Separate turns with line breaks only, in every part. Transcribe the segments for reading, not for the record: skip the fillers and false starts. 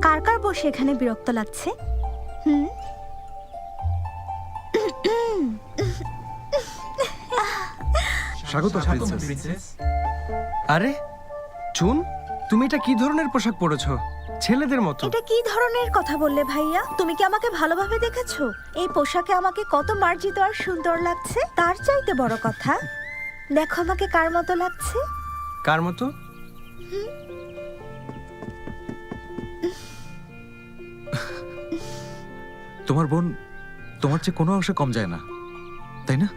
কার কার বসে এখানে বিরক্ত লাগছে? হুম,
স্বাগত প্রিন্সেস।
আরে চুন, তুমি এটা কি ধরনের পোশাক পরেছো? ছেলেদের মতো।
এটা কি ধরনের কথা বললে ভাইয়া? তুমি কি আমাকে ভালোভাবে দেখেছো? এই পোশাকে আমাকে কত মার্জিত আর সুন্দর লাগছে। তার চাইতে বড় কথা, দেখো আমাকে কার মতো লাগছে।
কার মতো?
তোমার বোন তোমার চেয়ে কোনো অংশে কম যায় না, তাই না?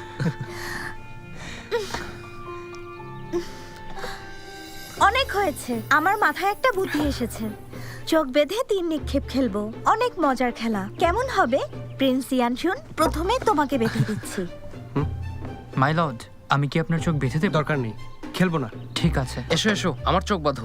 অনেক হয়েছে, আমার মাথায় একটা বুদ্ধি এসেছে। চোখ বেঁধে 3 নিক্ষেপ খেলবো। অনেক মজার খেলা। কেমন হবে? প্রিন্স ইয়ানশুন, প্রথমে তোমাকে বেঁধে দিচ্ছি।
মাই লর্ড, আমি কি আপনার চোখ বেঁধে দেব?
দরকার নেই, খেলবো না।
ঠিক আছে।
এসো এসো, আমার চোখ বাঁধো।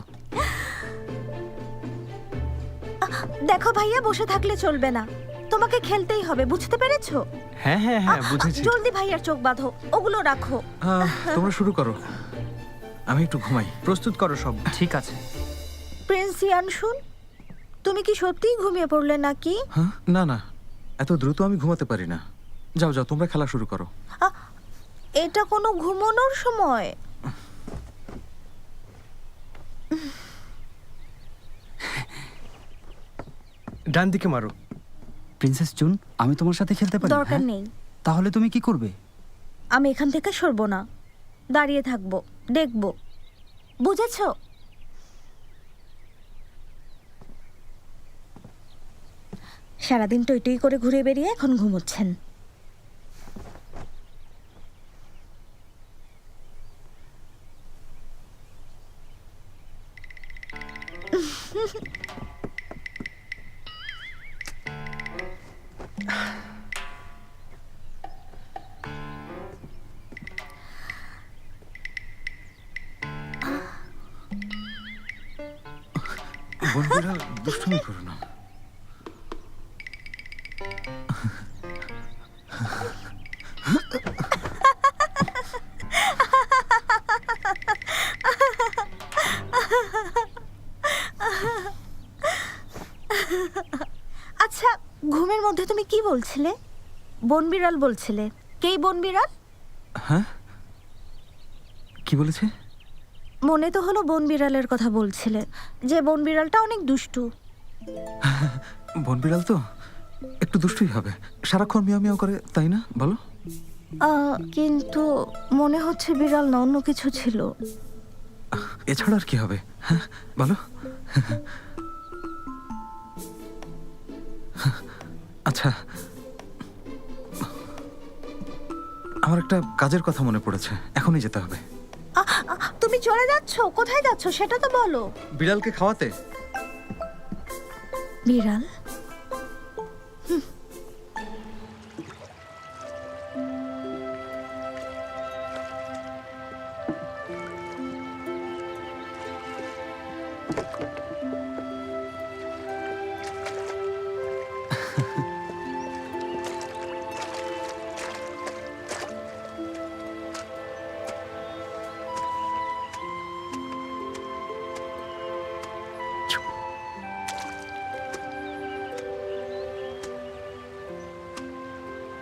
দেখো ভাইয়া, বসে থাকলে চলবে না, তোমাকে খেলতেই হবে, বুঝতে পেরেছো?
হ্যাঁ হ্যাঁ হ্যাঁ, বুঝেছি।
জলদি ভাইয়ার চোখ বাঁধো, ওগুলো রাখো।
তোমরা শুরু করো, আমি একটু ঘুমাই।
প্রস্তুত করো সব।
ঠিক আছে।
প্রিন্স ইয়ানশুন, তুমি কি সত্যিই ঘুমিয়ে পড়লে নাকি?
হ্যাঁ, না না, এত দ্রুত আমি ঘুমাতে পারি না। যাও যাও, তোমরা খেলা শুরু করো।
এটা কোনো ঘুমানোর সময়?
ডান দিকে মারো।
প্রিন্সেস চুন, আমি তোমার সাথে খেলতে পারি?
দরকার
হ্যাঁ?
নেই।
তাহলে তুমি কি করবে?
আমি এখান থেকে সরবো না, দাঁড়িয়ে থাকবো, দেখবো, বুঝেছো? সারাদিন টই টই করে ঘুরে বেরিয়ে এখন ঘুমোচ্ছেন।
বন্ধুরা দুষ্টুমি করো না।
আচ্ছা, ঘুমের মধ্যে তুমি কি বলছিলে? বনবিড়াল বলছিলে। কেই বনবিড়াল?
হ্যাঁ, কি বলেছে?
মনে তো হলো বনবিড়ালের কথা বলছিলে, যে বনবিড়ালটা অনেক দুষ্টু।
বনবিড়াল তো একটু দুষ্টুই হবে, সারাক্ষণ মিয়াও মিয়াও করে, তাই না বলো?
কিন্তু মনে হচ্ছে বিড়াল না, অন্য কিছু ছিল।
এছাড়া আর কি হবে? হ্যাঁ বলো। আচ্ছা, আমার একটা কাজের কথা মনে পড়েছে, এখনই যেতে হবে।
তুমি চলে যাচ্ছো? কোথায় যাচ্ছো সেটা তো বলো।
বিড়ালকে খাওয়াতে।
বিড়াল?